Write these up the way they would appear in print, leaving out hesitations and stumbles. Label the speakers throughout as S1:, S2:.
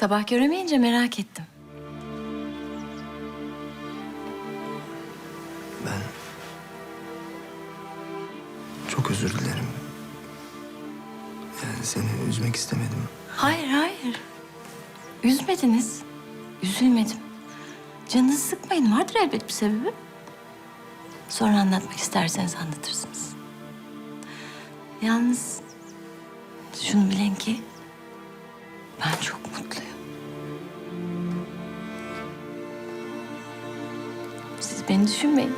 S1: Sabah göremeyince merak ettim.
S2: Ben çok özür dilerim. Yani seni üzmek istemedim.
S1: Hayır, hayır. Üzmediniz. Üzülmedim. Canınızı sıkmayın. Vardır elbet bir sebebi. Sonra anlatmak isterseniz anlatırsınız. Yalnız şunu bilin ki ben çok mutluyum. Siz beni düşünmeyin.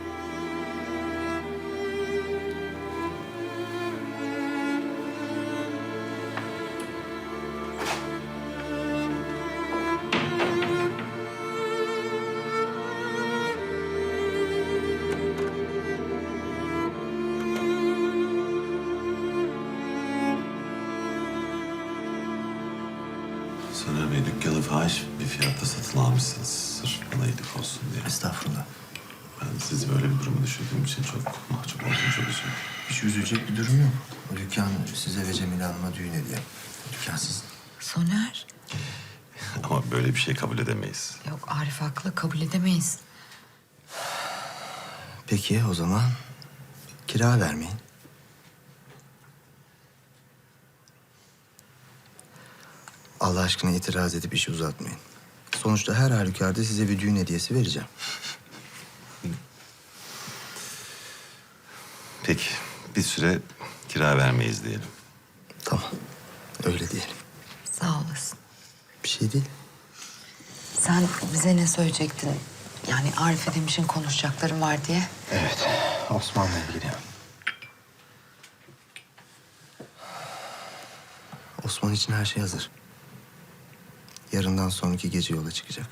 S3: Soner Bey, dükkanı fahiş bir fiyatta satın almışsınız. Sırf bana iyilik olsun diye.
S2: Estağfurullah.
S3: Ben sizi böyle bir duruma düşürdüğüm için çok mahcup oldum, çok üzüldüm.
S2: Hiç üzülecek bir durum yok. O dükkan size ve Cemile Hanım'a düğün hediye. Dükkan sizin.
S4: Soner.
S3: Ama böyle bir şey kabul edemeyiz.
S4: Yok Arif haklı, kabul edemeyiz.
S2: Peki o zaman kira vermeyin. Allah aşkına itiraz edip işi uzatmayın. Sonuçta her halükarda size bir düğün hediyesi vereceğim.
S3: Peki, bir süre kira vermeyiz diyelim.
S2: Tamam, öyle diyelim.
S4: Sağ olasın.
S2: Bir şey değil.
S4: Sen bize ne söyleyecektin? Yani Arif'e demişin konuşacaklarım var diye.
S2: Evet, Osman'la ilgili. Osman için her şey hazır. Yarından sonraki gece yola çıkacak.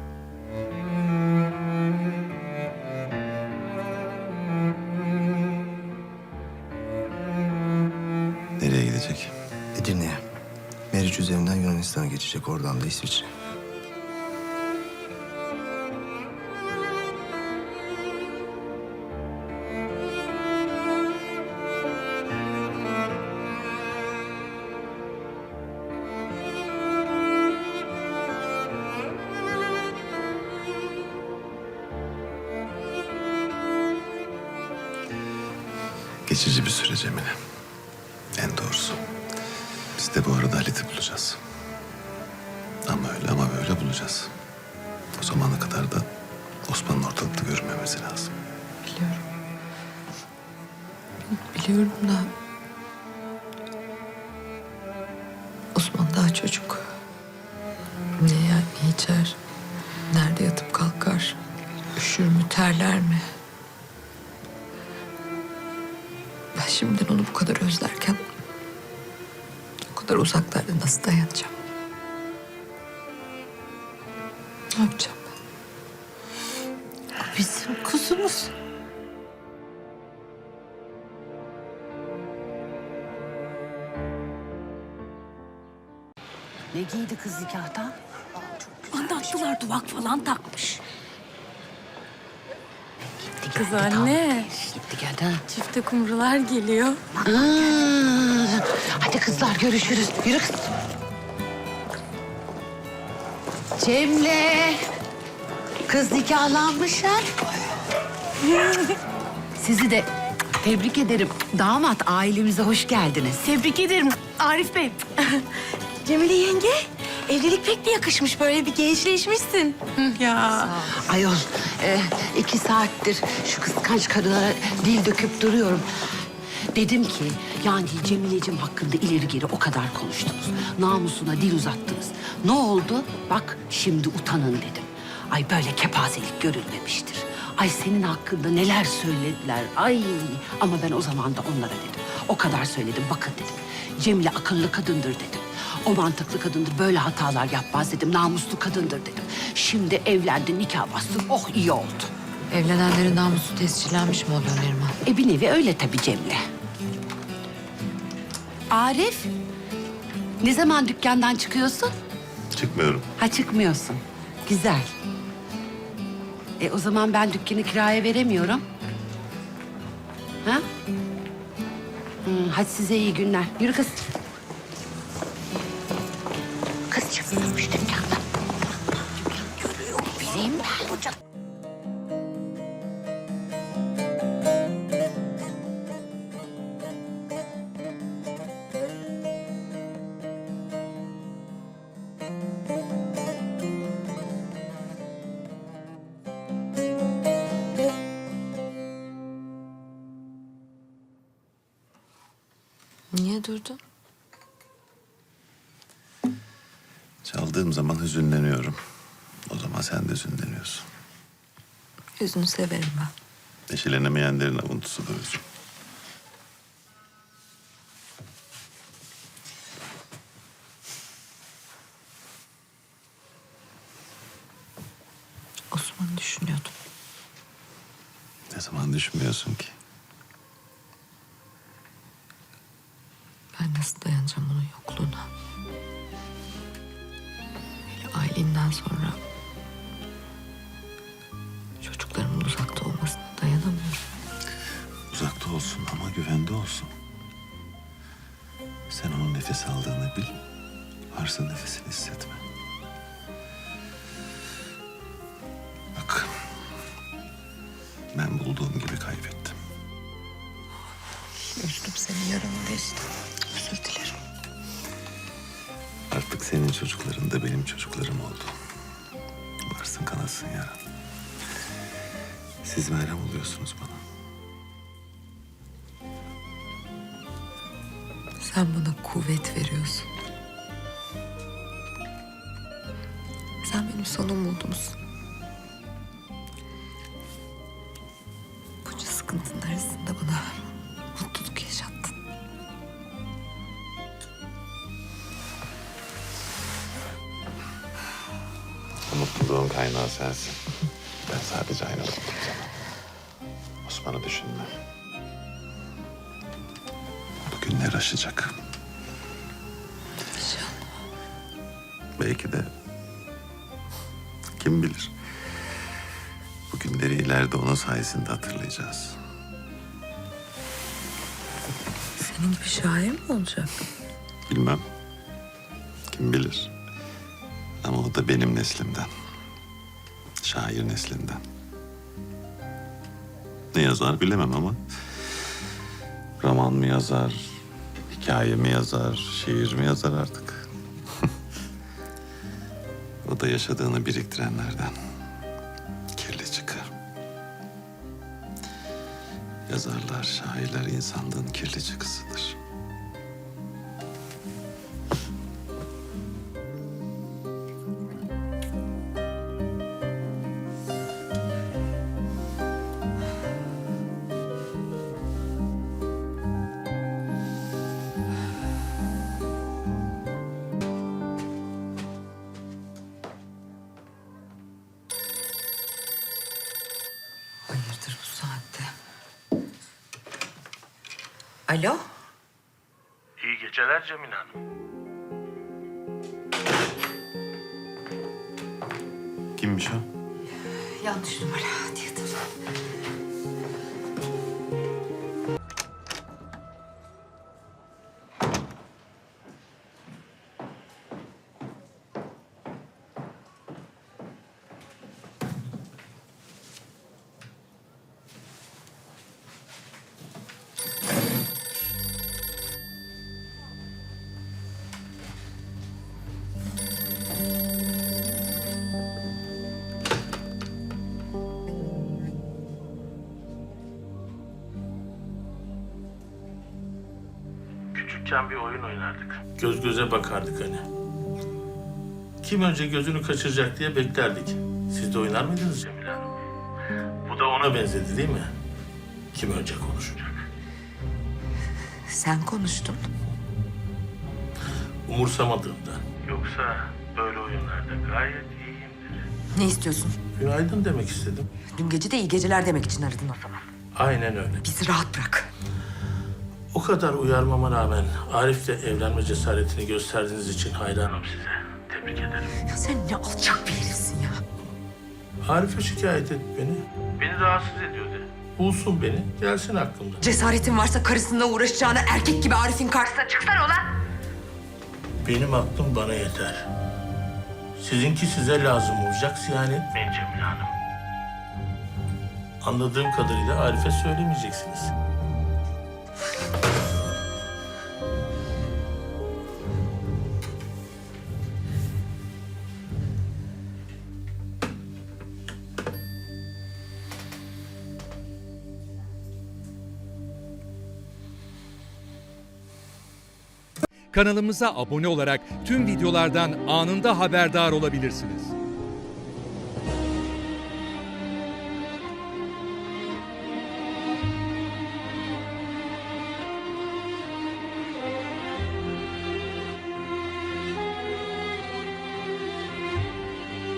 S3: Nereye gidecek?
S2: Edirne'ye. Meriç üzerinden Yunanistan'a geçecek, oradan da İsviçre.
S3: Geçici bir süre Cemile. En doğrusu. Biz de bu arada Halit'i bulacağız. Ama öyle ama böyle bulacağız. O zamana kadar da Osman'ın ortalıkta görünmemesi lazım.
S4: Biliyorum. Biliyorum da... Osman daha çocuk. Ne yer, ne içer? Nerede yatıp kalkar? Üşür mü, terler mi? Ben şimdiden onu bu kadar özlerken... o kadar uzaklarda nasıl dayanacağım? Ne yapacağım ben?
S1: Bizim kuzumuz.
S5: Ne giydi kız nikahta?
S1: Anlattılar, duvak falan takmış.
S5: Gitti
S1: Kız
S5: geldi,
S1: anne.
S5: Gitti geldi ha.
S1: Çifte kumrular geliyor.
S5: Hadi kızlar görüşürüz. Yürü kız. Cemile. Kız nikahlanmış ha. Sizi de tebrik ederim. Damat ailemize hoş geldiniz.
S1: Tebrik ederim Arif Bey. Cemile yenge, evlilik pek de yakışmış. Böyle bir gençleşmişsin. Ya.
S5: Ayol, 2 saattir şu kıskanç karılara dil döküp duruyorum. Dedim ki yani Cemile'cim hakkında ileri geri o kadar konuştunuz. Namusuna dil uzattınız. Ne oldu? Bak şimdi utanın dedim. Ay böyle kepazelik görülmemiştir. Ay senin hakkında neler söylediler. Ay ama ben o zaman da onlara dedim. O kadar söyledim bakın dedim. Cemile akıllı kadındır dedim. O mantıklı kadındır, böyle hatalar yapmaz dedim. Namuslu kadındır dedim. Şimdi evlendi, nikah bastı. Oh iyi oldu.
S4: Evlenenlerin namusu tescillenmiş mi oluyor Neriman?
S5: Bir nevi öyle tabii Cemile. Arif, ne zaman dükkandan çıkıyorsun?
S3: Çıkmıyorum.
S5: Ha çıkmıyorsun. Güzel. O zaman ben dükkanı kiraya veremiyorum. Ha? Hadi size iyi günler. Yürü kız. kızcık. İşte dükkanda. Bileyim ben hocam.
S4: Niye durdun?
S3: Çaldığım zaman hüzünleniyorum. O zaman sen de hüzünleniyorsun.
S4: Yüzünü severim ben.
S3: Neşelenemeyenlerin avuntusu da hüzün.
S4: Osman'ı düşünüyordum.
S3: Ne zaman düşünmüyorsun ki?
S4: Ben nasıl dayanacağım onun yokluğuna? Hele Aylin'den sonra çocuklarımın uzakta olmasına dayanamıyorum.
S3: Uzakta olsun ama güvende olsun. Sen onun nefes aldığını bil. Varsa nefesini hissetme. Bak. Ben bulduğum gibi kaybettim.
S4: Üzdüm seni, yaramı deştim. Özür dilerim.
S3: Artık senin çocukların da benim çocuklarım oldu. Varsın kanasın yaran. Siz merhem oluyorsunuz bana.
S4: Sen bana kuvvet veriyorsun. Sen benim son umudumsun. Bunca sıkıntının arasında bana mutluluk yaşattın.
S3: O mutluluğun kaynağı sensin. Ben sadece aynı oldum sana. Osman'ı düşünme. Bu günler aşacak.
S4: İnşallah.
S3: Belki de kim bilir. Bu günleri ileride onun sayesinde hatırlayacağız.
S4: Senin gibi şair mi olacak?
S3: Bilmem. Kim bilir. Ama o da benim neslimden. Şair neslinden. Ne yazar bilemem ama... roman mı yazar, hikaye mi yazar, şiir mi yazar artık. O da yaşadığını biriktirenlerden. Kirli çıkar. Yazarlar, şairler insanlığın kirli çıkısıdır.
S4: Hayırdır bu saatte? Alo?
S6: İyi geceler Cemile Hanım.
S3: Kimmiş o?
S4: Yanlış numara. Hadi yatır.
S6: Küçükken bir oyun oynardık. Göz göze bakardık hani. Kim önce gözünü kaçıracak diye beklerdik. Siz de oynar mıydınız Cemile Hanım? Bu da ona benzedi değil mi? Kim önce konuşacak?
S4: Sen konuştun.
S6: Umursamadığımdan. Yoksa böyle oyunlarda gayet iyiyimdir.
S4: Ne istiyorsun?
S6: Günaydın demek istedim.
S4: Dün gece de iyi geceler demek için aradın o zaman.
S6: Aynen öyle.
S4: Bizi rahat bırak.
S6: O kadar uyarmama rağmen Arif'le evlenme cesaretini gösterdiğiniz için hayranım size. Tebrik ederim.
S4: Ya sen ne alçak bir herifsin ya.
S6: Arif'e şikayet et beni. Beni rahatsız ediyor de. Bulsun beni, gelsin aklımda.
S4: Cesaretin varsa karısınla uğraşacağına erkek gibi Arif'in karşısına çıksana ulan.
S6: Benim aklım bana yeter. Sizinki size lazım olacak, siyan etmeyin Cemile Hanım. Anladığım kadarıyla Arif'e söylemeyeceksiniz.
S7: Kanalımıza abone olarak tüm videolardan anında haberdar olabilirsiniz.